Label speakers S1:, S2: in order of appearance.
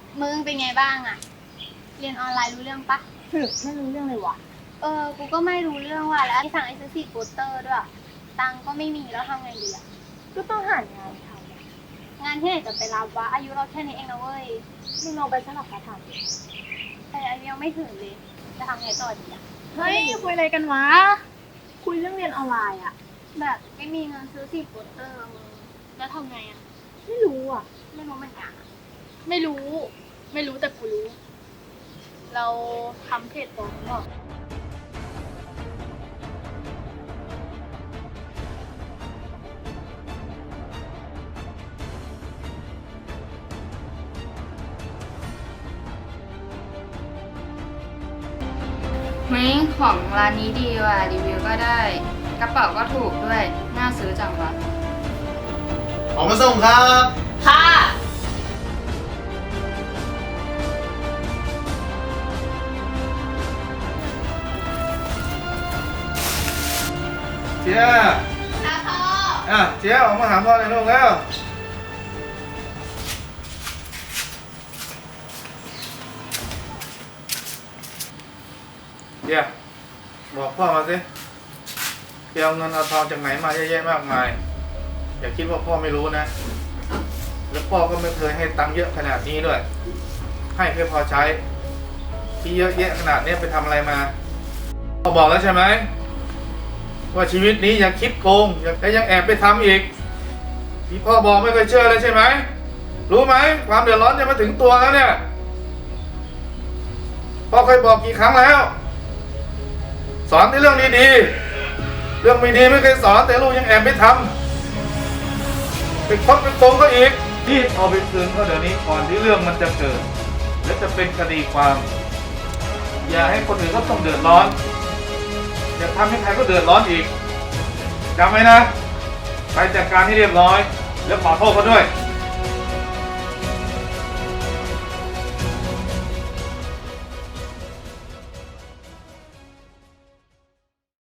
S1: มึงเป็นไงบ้างอะเรียนออนไลน์รู้เรื่องปะ
S2: ไม่รู้เรื่องเลยว่ะ
S1: กูก็ไม่รู้เรื่องว่ะแล้วสั่งไอซื้อ4 โปสเตอร์ด้วยตังค์ก็ไม่มีแล้วทำไงดีอะ
S2: ก็ต้องหางานทำอะ
S1: งานที่ไหนจะไปรับวะอายุเราแค่นี้เองนะเว้ย
S2: มึงลองไปสมัครพาร์ทไทม์ดิ
S1: แต่อายุยังไม่ถึงเลยจะทำไงต่อดีอะ
S2: เฮ้ยคุยอะไรกันวะ คุยเรื่องเรียนออนไลน์อะ
S1: แบบไม่มีเงินซื้อ4 โปสเตอร์อะมึงแล้วทำไงอะ
S2: ไม่รู้อะ
S1: ไม่รู้เหมือนกันอะ
S2: ไม่รู้แต่กูรู้ เราทำเพจปลอมหรอ
S3: เฮ้ยของร้านนี้ดีว่ะรีวิวก็ได้ กระเป๋าก็ถูกด้วย น่าซื้อจังวะ
S4: ออกมาส่งครับ
S2: ค่ะ
S4: เจียเจียออกมาหาพ่อในอยลูกแล้วเจียบอกพ่อมาสิเจียเอาเงินเอาทองจากไหนมาเยอะแยะมากมาย อย่าคิดว่าพ่อไม่รู้นะ แล้วพ่อก็ไม่เคยให้ตังค์เยอะขนาดนี้ด้วย ให้แค่พอใช้ ที่เยอะแยะขนาดนี้ไปทำอะไรมาพ่อบอกแล้วใช่ไหมว่าชีวิตนี้อย่าคิดโกงและยังแอบไปทำอีกที่พ่อบอกไม่เคยเชื่อเลยใช่ไหมรู้ไหมความเดือดร้อนจะมาถึงตัวแล้วเนี่ยพ่อเคยบอกกี่ครั้งแล้ว สอนในเรื่องดีๆเรื่องไม่ดีไม่เคยสอนแต่ลูกยังแอบไปทำไปคดไปโกงเขาอีกรีบเอาไปคืนเขาเดี๋ยวนี้ก่อนที่เรื่องมันจะเกิดและจะเป็นคดีความ อย่าให้คนอื่นเขาต้องเดือดร้อนอย่าทำให้ใครก็เดือดร้อนอีกจำไว้นะไปจัดการให้เรียบร้อยแล้วขอโทษเขาด้วย